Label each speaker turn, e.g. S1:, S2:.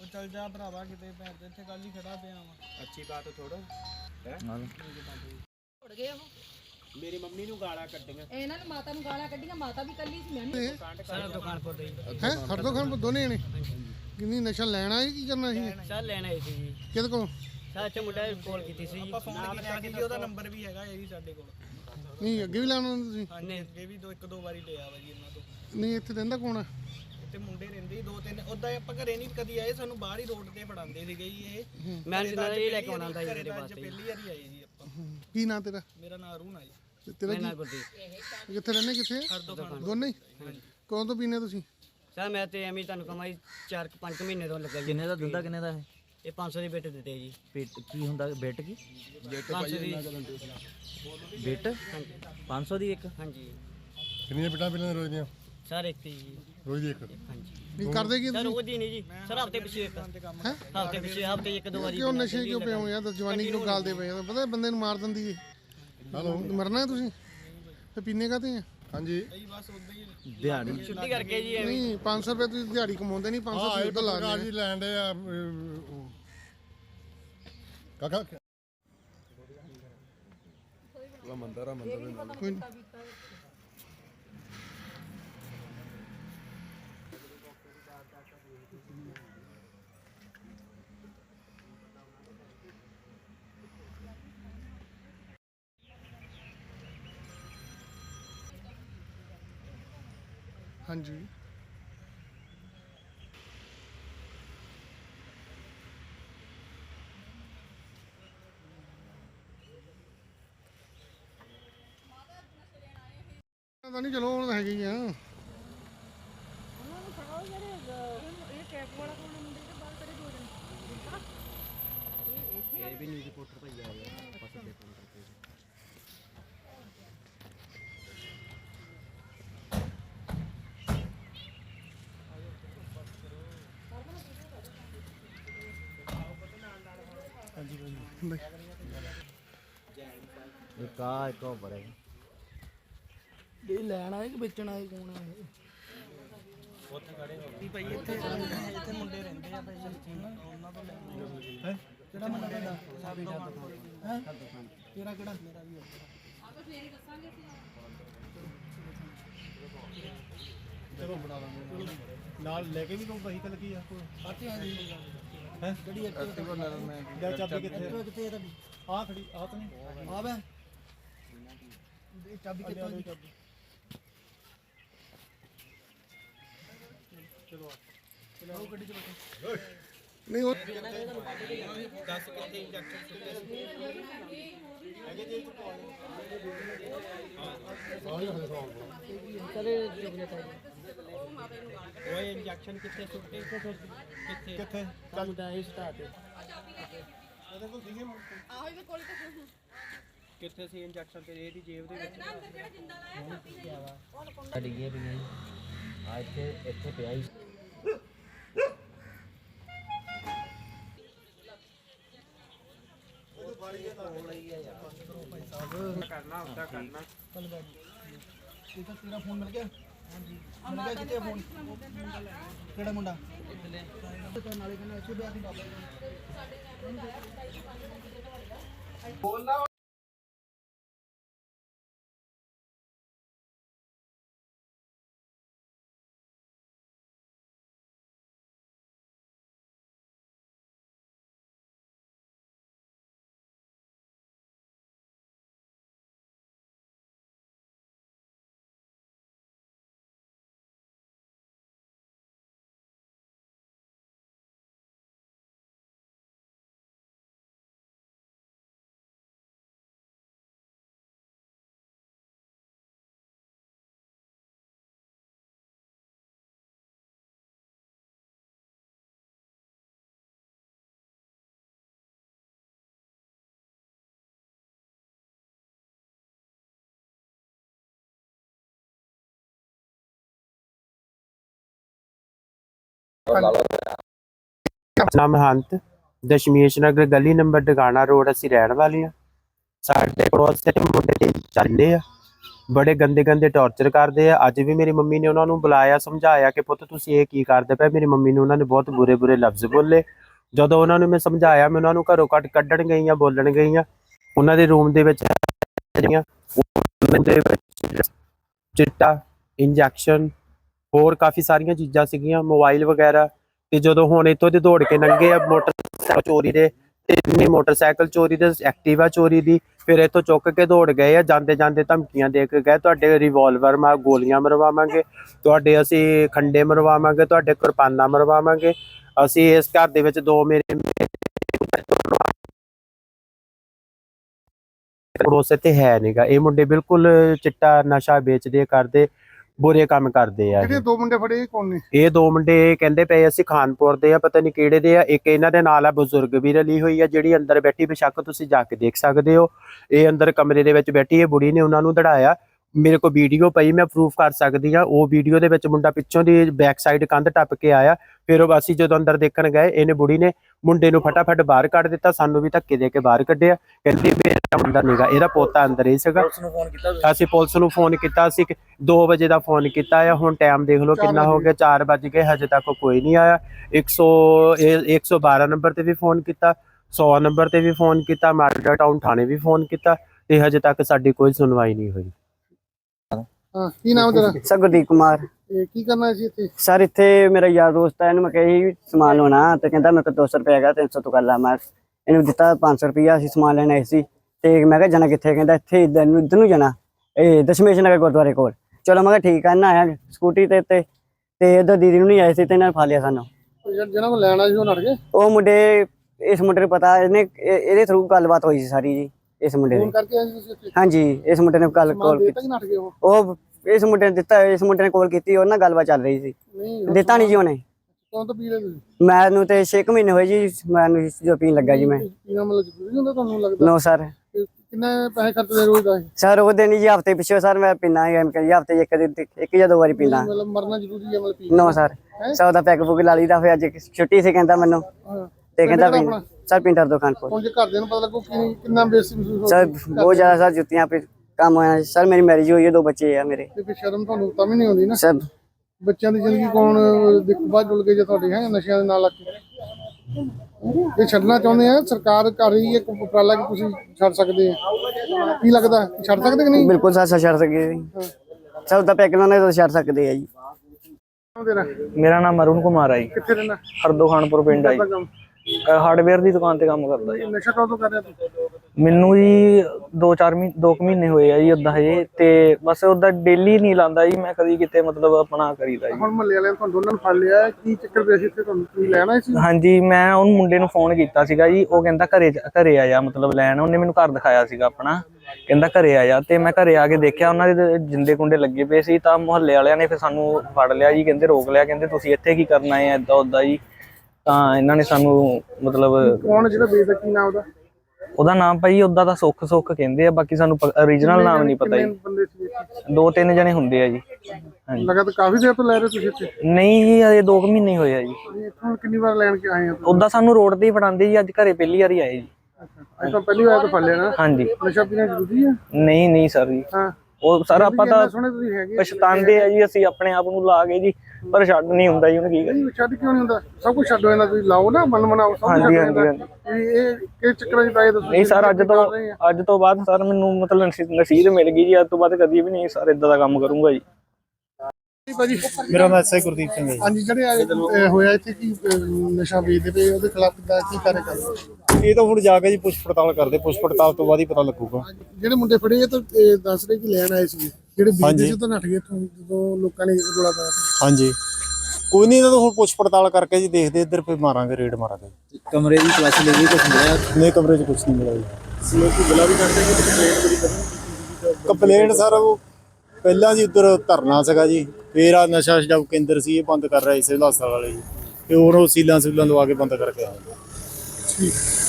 S1: ਚੱਲ ਜਾ ਭਰਾਵਾ ਕਿਤੇ ਭੈਣ ਤੇ ਇੱਥੇ ਕੱਲ ਹੀ ਖੜਾ ਪਿਆ ਵਾ। ਅੱਛੀ ਬਾਤ ਥੋੜੋ ਹੈ ਉੜ ਗਏ ਉਹ। ਮੇਰੀ ਮੰਮੀ ਨੂੰ ਗਾਲਾਂ ਕੱਢੀਆਂ, ਇਹਨਾਂ ਨੇ ਮਾਤਾ ਨੂੰ ਗਾਲਾਂ ਕੱਢੀਆਂ। ਮਾਤਾ ਵੀ ਕੱਲੀ ਸੀ, ਮੈਂ ਵੀ ਸਾਰਾ ਦੁਕਾਨਪੁਰ ਦੇ
S2: ਹੈ ਹਰ ਦੁਕਾਨਪੁਰ ਦੋਨੇ ਨੇ। ਕਿੰਨੀ ਨਸ਼ਾ ਲੈਣਾ ਹੈ ਕੀ ਕਰਨਾ ਸੀ?
S1: ਸਰ ਲੈਣਾ ਸੀ ਜੀ।
S2: ਕਿਹਦੇ ਕੋਲ?
S1: ਸੱਚ ਮੁੰਡਾ ਕਾਲ ਕੀਤੀ ਸੀ ਜੀ, ਆਪਾਂ ਫੋਨ ਕੀਤਾ ਸੀ, ਉਹਦਾ ਨੰਬਰ ਵੀ ਹੈਗਾ ਇਹ ਵੀ ਸਾਡੇ ਕੋਲ।
S2: ਨਹੀਂ ਅੱਗੇ ਵੀ ਲੈਣਾ ਤੁਸੀਂ?
S1: ਹਾਂਜੀ ਅੱਗੇ ਵੀ ਇੱਕ ਦੋ ਵਾਰੀ ਲਿਆ ਵਾ ਜੀ ਇਹਨਾਂ ਤੋਂ।
S2: ਨਹੀਂ ਇੱਥੇ ਰਹਿੰਦਾ ਕੌਣ ਹੈ?
S1: ਇੱਥੇ ਮੁੰਡੇ ਰਹਿੰਦੇ ਦੋ ਤਿੰਨ, ਉਦਾਂ ਆਪਾਂ ਘਰੇ ਨਹੀਂ ਕਦੀ ਆਏ, ਸਾਨੂੰ ਬਾਹਰ ਹੀ ਰੋਡ ਤੇ ਫੜਾਉਂਦੇ ਸੀਗੇ ਜੀ ਇਹ। ਮੈਂ ਜਿੰਨਾ ਇਹ ਲੈ ਕੇ ਆਉਣਾ ਹੁੰਦਾ ਜੀ ਮੇਰੇ ਵਾਸਤੇ। ਪਹਿਲੀ ਵਾਰੀ ਆਏ ਜੀ ਆਪਾਂ।
S2: ਕੀ ਨਾਂ ਤੇਰਾ?
S1: ਮੇਰਾ ਨਾਮ ਅਰੁਣ ਆ ਜੀ।
S2: ਤੇਰਾ
S1: ਮੈਂ
S2: ਕੀ?
S1: ਗੁਰਦੀਪ।
S2: ਕਿੱਥੇ ਰਹਿੰਦੇ ਕਿੱਥੇ? ਦੋਨੇ ਹੀ? ਕੌਣ ਤੋਂ ਪੀਨੇ ਤੁਸੀਂ?
S1: ਸਰ ਮੈਂ ਤੇ ਐਵੇਂ ਤੁਹਾਨੂੰ ਕਮਾਈ 4-5 ਮਹੀਨੇ ਤੋਂ ਲੱਗਾ ਜੀ।
S3: ਕਿੰਨੇ ਦਾ ਦਿੰਦਾ? ਕਿੰਨੇ ਦਾ
S1: ਇਹ 500 ਦੀ ਬਿੱਟ ਦਿੱਤੇ ਜੀ।
S3: ਬਿੱਟ ਕੀ ਹੁੰਦਾ? ਬਿੱਟ ਕੀ?
S1: 500 ਦੀ
S3: ਬਿੱਟ 500 ਦੀ ਇੱਕ?
S1: ਹਾਂਜੀ।
S4: ਕਿੰਨੀਆਂ ਬਿੱਟਾਂ ਪੀਲਾਂ ਰੋਜ਼ ਦੀਆਂ?
S1: ਸਰ ਇੱਕ ਜੀ।
S4: ਰੋਜ਼ ਦੀ ਇੱਕ?
S1: ਹਾਂਜੀ।
S2: ਨਹੀਂ ਕਰਦੇ ਕੀ
S1: ਸਰ
S2: ਤੁਸੀਂ?
S1: ਉਹਦੀ ਨਹੀਂ ਜੀ ਸਰ, ਹਫਤੇ ਪਿੱਛੇ ਇੱਕ। ਹਫਤੇ ਪਿੱਛੇ ਹਫਤੇ ਇੱਕ ਦੋ ਵਾਰੀ।
S2: ਕਿਉਂ ਨਸ਼ੇ ਕਿਉਂ ਪਏ ਹੋ ਯਾਰ? ਜਵਾਨੀ ਕਿਉਂ ਗਾਲਦੇ ਪਏ ਹੋ? ਪਤਾ ਬੰਦੇ ਨੂੰ ਮਾਰ ਦਿੰਦੀ ਹੈ।
S4: ਹਲੋ
S2: ਮਰਨਾ ਹੈ ਤੁਸੀਂ ਤੇ ਪੀਨੇ ਕਾਤੇ ਆ?
S4: ਹਾਂਜੀ
S1: ਬਸ ਉਦਾਂ ਹੀ
S3: ਦਿਹਾੜੀ
S1: ਛੁੱਟੀ ਕਰਕੇ ਜੀ ਐਵੇਂ।
S2: ਨਹੀਂ 500 ਰੁਪਏ ਤੁਸੀਂ ਦਿਹਾੜੀ ਕਮਾਉਂਦੇ ਨਹੀਂ, 500 ਤੁਸੀਂ ਉਧਰ ਲਾ
S4: ਪੱਤਰਕਾਰ
S2: ਰਹੇ
S4: ਜੀ ਲੈਣ ਦੇ ਆ ਕਾਕਾ ਮੰਦਰ
S2: ਕੋਈ ਨੀ। ਹਾਂਜੀ ਤਾਂ ਨਹੀਂ, ਚਲੋ ਹੁਣ ਹੈਗੇ ਹੀ ਆ।
S1: ਇਹ ਵੀ ਨਿਊਜ਼ ਰਿਪੋਰਟਰ ਭਾਈ ਆ ਗਿਆ ਆਪਾਂ ਸੱਦੇ ਫੋਨ ਕਰਕੇ।
S3: ਇੱਕ ਆ ਇੱਕ ਹੋਰ ਹੈ।
S1: ਇਹ ਲੈਣ ਆਏ ਕਿ ਵੇਚਣ ਆਏ? ਕੌਣ ਆ ਇਹ? ਉੱਥੇ ਖੜੇ ਹੋ ਗਏ ਭਾਈ। ਇੱਥੇ ਮੁੰਡੇ ਰਹਿੰਦੇ ਆ ਭਾਈ, ਉਹਨਾਂ ਤੋਂ ਲੈਣ। ਹੈ ਕਿਹੜਾ ਮੁੰਡਾ ਤੁਹਾਡਾ? ਸਭ ਤੋਂ ਹੈ ਤੇਰਾ ਕਿਹੜਾ? ਮੇਰਾ ਵੀ ਆਪਾਂ ਫੇਰ ਹੀ ਦੱਸਾਂਗੇ ਅਸੀਂ।
S4: ਚਲੋ ਬਣਾ ਲਾਂਗੇ ਨਾਲ ਲੈ ਕੇ ਵੀ ਕੋਈ ਵਹੀਕਲ ਕੀ ਆ
S1: ਆਤੇ ਹਾਂ ਜੀ।
S4: ਹੈ
S1: ਕਿਹੜੀ ਐਕਟਿਵ
S4: ਮੈਂ ਚਾਬੀ ਕਿੱਥੇ
S1: ਕਿੱਥੇ ਹੈ ਤੁਹਾਡੀ?
S4: ਆ ਖੜੀ ਆ ਤਾਂ ਨਹੀਂ
S1: ਆ ਵੇ ਚਾਬੀ ਕਿੱਥੋਂ ਦੀ? ਚਲੋ ਚਲੋ ਗੱਡੀ ਚ ਬੈਠੋ।
S2: ਨਹੀਂ ਉਹ
S1: ਦੱਸ ਕਿੱਥੇ ਇੰਜੈਕਸ਼ਨ ਸੁੱਟੇ ਸੀ? ਹੈਗੇ ਜੀ ਉਹ ਇੰਜੈਕਸ਼ਨ ਕਿੱਥੇ ਸੁੱਟੇ? ਕਿੱਥੇ ਚੱਲ ਦਾ ਇਹ ਸਟਾਰਟ ਇਹਦੇ ਕੋਲ ਸੀਗੇ ਆਹੋ ਇਹਦੇ ਕੋਲ ਤੇ ਕਿੱਥੇ ਸੀ ਇੰਜੈਕਸ਼ਨ? ਤੇ ਇਹਦੀ ਜੇਬ ਦੇ ਵਿੱਚ
S3: ਡਿੱਗੀਆਂ ਪਈਆਂ ਆ ਇੱਥੇ ਪਿਆ ਹੀ।
S1: ਕਰਨਾ ਹੁੰਦਾ ਕਰਨਾ। ਇਹ ਤਾਂ ਤੇਰਾ ਫੋਨ ਮਿਲ ਗਿਆ? ਹਾਂਜੀ ਮਿਲ ਗਿਆ। ਕਿੱਥੇ ਫੋਨ? ਕਿਹੜਾ ਮੁੰਡਾ? ਨਾਲੇ ਕਹਿੰਦਾ ਇੱਥੇ ਬਿਆਹ ਦੀ ਬਾਬਾ ਬੋਲਣਾ।
S5: ਨਾਮ ਮਹੰਤ ਦਸ਼ਮੇਸ਼ ਨਗਰ ਗਲੀ ਨੰਬਰ ਟਿਕਾਣਾ ਰੋਡ ਅਸੀਂ ਰਹਿਣ ਵਾਲੇ ਆ। ਸਾਡੇ ਪੜੋਸ ਦੇ ਮੁੰਡੇ ਤੇ ਚੱਲੇ ਆ ਬੜੇ ਗੰਦੇ ਗੰਦੇ ਟੌਰਚਰ ਕਰਦੇ ਆ। ਅੱਜ ਵੀ ਮੇਰੀ ਮੰਮੀ ਨੇ ਉਹਨਾਂ ਨੂੰ ਬੁਲਾਇਆ, ਸਮਝਾਇਆ ਕਿ ਪੁੱਤ ਤੁਸੀਂ ਇਹ ਕੀ ਕਰਦੇ ਪਏ। ਮੇਰੀ ਮੰਮੀ ਨੂੰ ਉਹਨਾਂ ਨੇ ਬਹੁਤ ਬੁਰੇ ਬੁਰੇ ਲਫ਼ਜ਼ ਬੋਲੇ। ਜਦੋਂ ਉਹਨਾਂ ਨੂੰ ਮੈਂ ਸਮਝਾਇਆ, ਮੈਂ ਉਹਨਾਂ ਨੂੰ ਘਰੋਂ ਕੱਢਣ ਗਈਆਂ, ਬੋਲਣ ਗਈਆਂ। ਉਹਨਾਂ ਦੇ ਰੂਮ ਦੇ ਵਿੱਚ ਚਿੱਟਾ, ਇੰਜੈਕਸ਼ਨ, ਹੋਰ ਕਾਫੀ ਸਾਰੀਆਂ ਚੀਜ਼ਾਂ ਸੀਗੀਆਂ, ਮੋਬਾਈਲ ਵਗੈਰਾ। ਤੇ ਜਦੋਂ ਹੁਣ ਇੱਥੋਂ ਦੇ ਦੌੜ ਕੇ ਲੰਘੇ ਆ ਮੋਟਰਸਾਈਕਲ ਚੋਰੀ ਦੇ, ਮੋਟਰਸਾਈਕਲ ਚੋਰੀ ਦੇ, ਐਕਟਿਵਾ ਚੋਰੀ ਦੀ, ਫਿਰ ਇੱਥੋਂ ਚੁੱਕ ਕੇ ਦੌੜ ਗਏ ਆ। ਜਾਂਦੇ ਜਾਂਦੇ ਧਮਕੀਆਂ ਦੇ ਕੇ ਗਏ, ਤੁਹਾਡੇ ਰਿਵਾਲਵਰ ਗੋਲੀਆਂ ਮਰਵਾਵਾਂਗੇ, ਤੁਹਾਡੇ ਅਸੀਂ ਖੰਡੇ ਮਰਵਾਵਾਂਗੇ, ਤੁਹਾਡੇ ਕਿਰਪਾਨਾਂ ਮਰਵਾਵਾਂਗੇ। ਅਸੀਂ ਇਸ ਘਰ ਦੇ ਵਿੱਚ ਦੋ ਮੇਰੇ ਭਰੋਸੇ ਤੇ ਹੈ ਨੀਗਾ। ਇਹ ਮੁੰਡੇ ਬਿਲਕੁਲ ਚਿੱਟਾ ਨਸ਼ਾ ਵੇਚਦੇ, ਕਰਦੇ, ਬੁਰੇ ਕੰਮ ਕਰਦੇ ਆ।
S2: ਜਿਹੜੇ 2 ਮੁੰਡੇ ਫੜੇ ਇਹ ਕੌਣ ਨੇ?
S5: ਇਹ 2 ਮੁੰਡੇ ਕਹਿੰਦੇ ਪਏ ਅਸੀਂ ਖਾਨਪੁਰ ਦੇ ਆ, ਪਤਾ ਨਹੀਂ ਕਿਹੜੇ ਦੇ ਆ। ਇੱਕ ਇਹਨਾਂ ਦੇ ਨਾਲ ਆ ਬਜ਼ੁਰਗ ਵੀ ਰਲੀ ਹੋਈ ਆ, ਜਿਹੜੀ ਅੰਦਰ ਬੈਠੀ, ਬੇਸ਼ੱਕ ਤੁਸੀਂ ਜਾ ਕੇ ਦੇਖ ਸਕਦੇ ਹੋ। ਇਹ ਅੰਦਰ ਕਮਰੇ ਦੇ ਵਿੱਚ ਬੈਠੀ, ਇਹ ਬੁੜੀ ਨੇ ਉਹਨਾਂ ਨੂੰ ਦੜਾਇਆ। ਮੇਰੇ ਕੋਲ ਵੀਡੀਓ ਪਈ, ਮੈਂ ਪ੍ਰੂਫ ਕਰ ਸਕਦੀ ਹਾਂ। ਉਹ ਵੀਡੀਓ ਦੇ ਵਿੱਚ ਮੁੰਡਾ ਪਿੱਛੋਂ ਦੀ ਬੈਕ ਸਾਈਡ ਕੰਧ ਟੱਪ ਕੇ ਆਇਆ। ਫਿਰ ਅਸੀਂ ਜਦੋਂ ਅੰਦਰ ਦੇਖਣ ਗਏ, ਇਹਨੇ ਬੁੜੀ ਨੇ ਮੁੰਡੇ ਨੂੰ ਫਟਾਫਟ ਬਾਹਰ ਕੱਢ ਦਿੱਤਾ, ਸਾਨੂੰ ਵੀ ਧੱਕੇ ਦੇ ਕੇ ਬਾਹਰ ਕੱਢਿਆ। ਕਹਿੰਦੀ ਮੇਰਾ ਅੰਦਰ ਨੀਗਾ, ਇਹਦਾ ਪੋਤਾ ਅੰਦਰ ਹੀ ਸੀਗਾ। ਅਸੀਂ ਪੁਲਿਸ ਨੂੰ ਫੋਨ ਕੀਤਾ, ਅਸੀਂ 2 ਵਜੇ ਦਾ ਫੋਨ ਕੀਤਾ ਆ। ਹੁਣ ਟਾਈਮ ਦੇਖ ਲਓ ਕਿੰਨਾ ਹੋ ਗਿਆ, 4 ਵੱਜ ਗਏ, ਹਜੇ ਤੱਕ ਕੋਈ ਨਹੀਂ ਆਇਆ। 112 ਨੰਬਰ ਤੇ ਵੀ ਫੋਨ ਕੀਤਾ, 100 ਨੰਬਰ ਤੇ ਵੀ ਫੋਨ ਕੀਤਾ, ਮਾਡਲ ਟਾਊਨ ਥਾਣੇ ਵੀ ਫੋਨ ਕੀਤਾ, ਤੇ ਹਜੇ ਤੱਕ ਸਾਡੀ ਕੋਈ ਸੁਣਵਾਈ ਨਹੀਂ ਹੋਈ।
S2: ਹਾਂ, ਕੀ ਨਾਮ ਤੇਰਾ?
S6: ਸਰ ਗੁਰਦੀਪ ਕੁਮਾਰ।
S2: ਇਹ ਕੀ ਕਰਨਾ ਸੀ ਇੱਥੇ?
S6: ਸਰ ਇੱਥੇ ਮੇਰਾ ਯਾਰ ਦੋਸਤ ਹੈ, ਇਹਨੂੰ ਮੈਂ ਕਹੀ ਸਮਾਨ ਲੈਣਾ ਤੇ ਕਹਿੰਦਾ ਮੇਰੇ ਕੋਲ 200 ਰੁਪਏ ਹੈਗਾ, 300 ਤੋਂ ਕਰ ਲਾ। ਮੈਂ ਇਹਨੂੰ ਦਿੱਤਾ 500 ਰੁਪਇਆ। ਅਸੀਂ ਸਮਾਨ ਲੈਣ ਆਏ ਸੀ ਤੇ ਮੈਂ ਕਿਹਾ ਜਾਣਾ ਕਿੱਥੇ? ਕਹਿੰਦਾ ਇੱਥੇ ਇੱਧਰ ਨੂੰ ਜਾਣਾ, ਇਹ ਦਸ਼ਮੇਸ਼ ਨਗਰ ਗੁਰਦੁਆਰੇ ਕੋਲ। ਚਲੋ ਮੈਂ ਕਿਹਾ ਠੀਕ ਆ। ਨਾ ਆਇਆ ਸਕੂਟੀ ਤੇ ਇੱਧਰ ਦੀਦੀ ਨੂੰ ਨਹੀਂ ਆਏ ਸੀ ਤੇ ਇਹਨਾਂ ਨੇ ਫੜ ਲਿਆ ਸਾਨੂੰ।
S2: ਜਿਹਨਾਂ ਕੋਲ ਲੈਣਾ ਸੀ ਉਹ ਨੱਠ ਗਏ?
S6: ਉਹ ਮੁੰਡੇ, ਇਸ ਮੁੰਡੇ ਨੂੰ ਪਤਾ, ਇਹਦੇ ਥਰੂ ਗੱਲਬਾਤ ਹੋਈ ਸੀ ਸਾਰੀ ਜੀ ਇਸ ਮੁੰਡੇ
S2: ਫੋਨ
S6: ਦੀ।
S2: ਕਰਕੇ ਆਏ ਸੀ ਤੁਸੀਂ ਇੱਥੇ?
S6: ਹਾਂਜੀ, ਇਸ ਮੁੰਡੇ ਨੇ ਕਾਲ
S2: ਦਿੱਤਾ ਕਿ ਨੱਠ ਗਏ ਉਹ?
S6: ਉਹ ਇਸ ਮੁੰਡੇ ਨੇ ਦਿੱਤਾ, ਇਸ ਮੁੰਡੇ ਨੇ ਕਾਲ ਕੀਤੀ, ਉਹਨਾਂ ਨਾਲ ਗੱਲਬਾਤ ਚੱਲ ਰਹੀ ਸੀ।
S2: ਨਹੀਂ
S6: ਦਿੱਤਾ ਨਹੀਂ ਜੀ ਉਹਨੇ।
S2: ਕੌਣ ਤੋਂ ਪੀ ਰਹੇ ਤੁਸੀਂ?
S6: ਮੈਨੂੰ ਤੇ 6 ਮਹੀਨੇ ਹੋਏ ਜੀ, ਮੈਨੂੰ ਜੋ ਪੀਣ ਲੱਗਾ ਜੀ ਮੈਂ।
S2: ਪੀਣਾ ਮਤਲਬ ਜ਼ਰੂਰੀ ਹੁੰਦਾ ਤੁਹਾਨੂੰ ਲੱਗਦਾ?
S6: No sir.
S2: ਕਿੰਨੇ ਪੈਸੇ ਖਰਚਦੇ ਰੋਜ਼ ਦਾ?
S6: ਸਰ ਉਹ ਦਿਨ ਜੀ ਹਫਤੇ ਪਿੱਛੇ ਸਰ ਮੈਂ ਪੀਣਾ ਹਫਤੇ 1 ਜਾਂ 2 ਵਾਰੀ ਪੀਂਦਾ।
S2: ਮਤਲਬ ਮਰਨਾ ਜ਼ਰੂਰੀ ਹੈ ਮਤਲਬ?
S6: No sir. ਸੌ ਦਾ ਪੈਗ ਪੁਗ ਲਾ ਲਈਦਾ। ਫਿਰ ਅੱਜ ਛੁੱਟੀ ਸੀ ਕਹਿੰਦਾ ਮੈਨੂੰ, ਤੇ ਕਹਿੰਦਾ ਵੀ ਸਰ ਪਿੰਡਰ ਦੁਕਾਨਪੁਰ।
S2: ਹੁਣ ਜੇ ਘਰਦਿਆਂ ਨੂੰ ਪਤਾ ਲੱਗੂ ਕਿੰਨਾ ਬੇਇੱਜ਼ਤੀ ਮਹਿਸੂਸ
S6: ਸਰ ਬਹੁਤ ਜ਼ਿਆਦਾ ਸਰ, ਜੁੱਤੀਆਂ ਕੰਮ ਹੋਇਆ ਸਰ। ਮੇਰੀ ਮੈਰਿਜ ਹੋਈ ਹੈ, 2 ਬੱਚੇ ਆ ਮੇਰੇ।
S2: ਤੇ ਸ਼ਰਮ ਤੁਹਾਨੂੰ ਤਾਂ ਵੀ ਨਹੀਂ ਆਉਂਦੀ ਨਾ
S6: ਸਰ?
S2: ਬੱਚਿਆਂ ਦੀ ਜ਼ਿੰਦਗੀ ਕੌਣ ਦੇਖੋ ਬਾਅਦ ਜੁੜ ਗਏ ਜੇ ਤੁਹਾਡੇ ਹੈ ਨਸ਼ਿਆਂ ਦੇ ਨਾਲ ਲੱਗ ਕੇ। ਇਹ ਛੱਡਣਾ ਚਾਹੁੰਦੇ ਆ, ਸਰਕਾਰ ਕਰ ਰਹੀ ਹੈ ਇੱਕ ਉਪਰਾਲਾ ਕਿ ਤੁਸੀਂ ਛੱਡ ਸਕਦੇ ਆ। ਕੀ ਲੱਗਦਾ ਛੱਡ ਸਕਦੇ ਕਿ ਨਹੀਂ?
S6: ਬਿਲਕੁਲ ਸਰ ਛੱਡ ਸਕਦੇ ਸਰ, ਉਹਦਾ ਪੈਗ ਲਾਉਣਾ ਤਾਂ ਛੱਡ ਸਕਦੇ ਆ ਜੀ।
S2: ਤੇਰਾ?
S7: ਮੇਰਾ ਨਾਮ ਅਰੁਣ ਕੁਮਾਰ ਹੈ ਜੀ।
S2: ਕਿੱਥੇ ਰਹਿਣਾ?
S7: ਹਰਦੋ ਖਾਨਪੁਰ ਪਿੰਡ ਹੈ ਜੀ। ਹਾਰਡਵੇਅਰ ਦੀ ਦੁਕਾਨ ਤੇ ਕੰਮ ਕਰਦਾ ਜੀ।
S2: ਨਸ਼ਾ ਕਦੋਂ ਕਰ ਰਿਹਾ ਤੂੰ?
S7: ਮੈਨੂੰ ਜੀ 2 ਮਹੀਨੇ ਹੋਏ ਆ ਜੀ ਉਦਾਂ ਹਜੇ, ਤੇ ਬਸ ਉਦਾਂ ਡੇਲੀ ਨਹੀਂ ਲਾਂਦਾ ਜੀ ਮੈਂ ਕਦੀ ਕਿਤੇ, ਮਤਲਬ ਆਪਣਾ ਕਰੀਦਾ ਜੀ।
S2: ਹੁਣ ਮਹੱਲੇ ਵਾਲਿਆਂ ਨੇ ਤੁਹਾਨੂੰ ਦੋਨਾਂ ਨੂੰ ਫੜ ਲਿਆ, ਕੀ ਚੱਕਰ ਪਿਆ ਸੀ ਇੱਥੇ? ਤੁਹਾਨੂੰ ਕੀ ਲੈਣਾ ਸੀ?
S7: ਹਾਂਜੀ, ਮੈਂ ਉਹਨੂੰ ਮੁੰਡੇ ਨੂੰ ਫੋਨ ਕੀਤਾ ਸੀਗਾ ਜੀ। ਉਹ ਕਹਿੰਦਾ ਘਰੇ ਆ ਜਾ, ਮਤਲਬ ਲੈਣ। ਉਹਨੇ ਮੈਨੂੰ ਘਰ ਦਿਖਾਇਆ ਸੀਗਾ ਆਪਣਾ, ਕਹਿੰਦਾ ਘਰੇ ਆ ਜਾ। ਤੇ ਮੈਂ ਘਰੇ ਆ ਕੇ ਦੇਖਿਆ ਉਹਨਾਂ ਦੇ ਜਿੰਦੇ ਕੁੰਡੇ ਲੱਗੇ ਪਏ ਸੀ। ਤਾਂ ਮੁਹੱਲੇ ਵਾਲਿਆਂ ਨੇ ਫਿਰ ਸਾਨੂੰ ਫੜ ਲਿਆ ਜੀ, ਕਹਿੰਦੇ ਰੋਕ ਲਿਆ, ਕਹਿੰਦੇ ਤੁਸੀਂ ਇੱਥੇ ਕੀ ਕਰਨਾ ਹੈ ਏਦਾਂ ਉੱਦਾਂ ਜੀ। ਤਾਂ ਇਹਨਾਂ ਨੇ ਸਾਨੂੰ ਮਤਲਬ।
S2: ਕੌਣ ਜਿਹੜਾ ਵੇਚਦਾ, ਕੀ ਨਾਮ ਉਹਦਾ?
S7: ਉਹਦਾ ਨਾਮ ਭਾਈ ਉਹਦਾ ਤਾਂ ਸੁੱਖ ਕਹਿੰਦੇ ਆ, ਬਾਕੀ ਸਾਨੂੰ ਓਰੀਜਨਲ ਨਾਮ ਨਹੀਂ ਪਤਾ ਜੀ।
S2: ਬੰਦੇ ਸੀ ਇੱਥੇ?
S7: 2-3 ਜਣੇ ਹੁੰਦੇ ਆ ਜੀ। ਹਾਂਜੀ।
S2: ਲਗਾਤਾਰ ਕਾਫੀ ਦੇਰ ਤੋਂ ਲੈ ਰਹੇ ਤੁਸੀਂ ਇੱਥੇ?
S7: ਨਹੀਂ ਜੀ, ਹਜੇ 2 ਮਹੀਨੇ ਹੋਏ ਆ ਜੀ।
S2: ਇੱਥੋਂ ਕਿੰਨੀ ਵਾਰ ਲੈਣ ਕੇ ਆਏ ਆ?
S7: ਉਦਾਂ ਸਾਨੂੰ ਰੋਡ ਤੇ ਹੀ ਫੜਾਉਂਦੇ ਜੀ, ਅੱਜ ਘਰੇ ਪਹਿਲੀ ਵਾਰੀ ਆਏ ਜੀ।
S2: ਅੱਜ ਤਾਂ ਪਹਿਲੀ ਵਾਰ ਤਾਂ ਫੜ ਲਿਆ ਨਾ?
S7: ਹਾਂਜੀ।
S2: ਨਸ਼ਾ ਪੀਣਾ ਜ਼ਰੂਰੀ ਹੈ?
S7: ਨਹੀਂ ਸਰ ਜੀ।
S2: ਹਾਂ।
S7: ਉਹ ਸਰ ਆਪਾਂ ਤਾਂ
S2: ਸੁਣੇ ਤੁਸੀਂ ਹੈਗੇ
S7: ਪਛਤਾਉਂਦੇ ਆ ਜੀ, ਅਸੀਂ ਆਪਣੇ ਆਪ ਨੂੰ ਲਾ ਗਏ ਜੀ, ਪਰ ਛੱਡ ਨਹੀਂ ਹੁੰਦਾ ਜੀ। ਹੁਣ ਕੀ ਕਰੀਏ?
S2: ਛੱਡ ਕਿਉਂ ਨਹੀਂ ਹੁੰਦਾ? ਸਭ ਕੁਝ ਛੱਡ ਹੋ ਜਾਂਦਾ, ਤੁਸੀਂ ਲਾਓ ਨਾ, ਮਨ ਬਣਾਓ, ਸਭ ਕੁਝ ਛੱਡ ਹੋ ਜਾਂਦਾ। ਇਹ ਕਿਸ ਚੱਕਰਾਂ 'ਚ ਪਏ ਤੁਸੀਂ?
S7: ਨਹੀਂ ਸਰ, ਅੱਜ ਤੋਂ ਬਾਅਦ ਸਰ ਮੈਨੂੰ ਮਤਲਬ ਨਸੀਹਤ ਮਿਲ ਗਈ ਜੀ। ਅੱਜ ਤੋਂ ਬਾਅਦ ਕਦੀ ਵੀ ਨਹੀਂ ਸਰ ਇਦਾਂ ਦਾ ਕੰਮ ਕਰੂੰਗਾ ਜੀ।
S2: ਭਾਜੀ
S4: ਮੇਰਾ ਨਾਮ ਐਸਆਈ ਗੁਰਦੀਪ ਸਿੰਘ ਹੈ ਜੀ।
S2: ਹਾਂਜੀ, ਜਿਹੜੇ ਹੋਇਆ ਇੱਥੇ ਕੀ ਨਸ਼ਾ ਵੇਚਦੇ ਪਏ, ਉਹਦੇ ਖਿਲਾਫ ਦਾ ਕੀ ਕਾਰਜ ਕਰਦੇ?
S4: ਇਹ ਤਾਂ ਹੁਣ ਜਾ ਕੇ ਜੀ ਪੁੱਛ ਪੜਤਾਲ ਕਰਦੇ, ਪੁੱਛ ਪੜਤਾਲ ਤੋਂ ਬਾਅਦ ਹੀ ਪਤਾ ਲੱਗੂਗਾ।
S2: ਜਿਹੜੇ ਮੁੰਡੇ ਫੜੇ ਇਹ ਤਾਂ ਦੱਸ ਰਹੇ ਕਿ ਲੈਣ ਆਏ ਸੀ, ਜਿਹੜੇ ਵੇਚਦੇ ਸੀ ਤਾਂ ਨੱਠ ਗਏ ਇੱਥੋਂ ਜਦੋਂ ਲੋਕਾਂ ਨੇ ਰੌਲਾ ਪਾਇਆ।
S4: ਹਾਂਜੀ, ਕੋਈ ਨਹੀਂ, ਇਹਨਾਂ ਤੋਂ ਹੁਣ ਪੁੱਛ ਪੜਤਾਲ ਕਰਕੇ ਜੀ ਦੇਖਦੇ, ਇੱਧਰ ਫਿਰ ਮਾਰਾਂਗੇ, ਰੇਡ ਮਾਰਾਂਗੇ।
S3: ਕਮਰੇ ਦੀ ਤਲਾਸ਼ੀ ਲਈ ਕੁਝ ਮਿਲਿਆ?
S4: ਨਹੀਂ, ਕਮਰੇ 'ਚ ਕੁਝ ਨਹੀਂ ਮਿਲਿਆ ਜੀ।
S2: ਲੋਕੀ ਗਲਾ ਵੀ ਕਰਦੇ ਕਿ ਕੰਪਲੇਂਟ
S4: ਕੰਪਲੇਂਟ ਸਰ ਉਹ ਪਹਿਲਾਂ ਜੀ ਉੱਧਰ ਧਰਨਾ ਸੀਗਾ ਜੀ, ਫਿਰ ਆ ਨਸ਼ਾ ਛਡਾਊ ਕੇਂਦਰ ਸੀ, ਇਹ ਬੰਦ ਕਰ ਰਹੇ ਸਿਵਲ ਹਸਪਤਾਲ ਵਾਲੇ ਜੀ, ਤੇ ਹੋਰ ਉਹ ਸੀਲਾਂ ਲਵਾ ਕੇ ਬੰਦ ਕਰਕੇ ਆਏ।
S2: ਠੀਕ।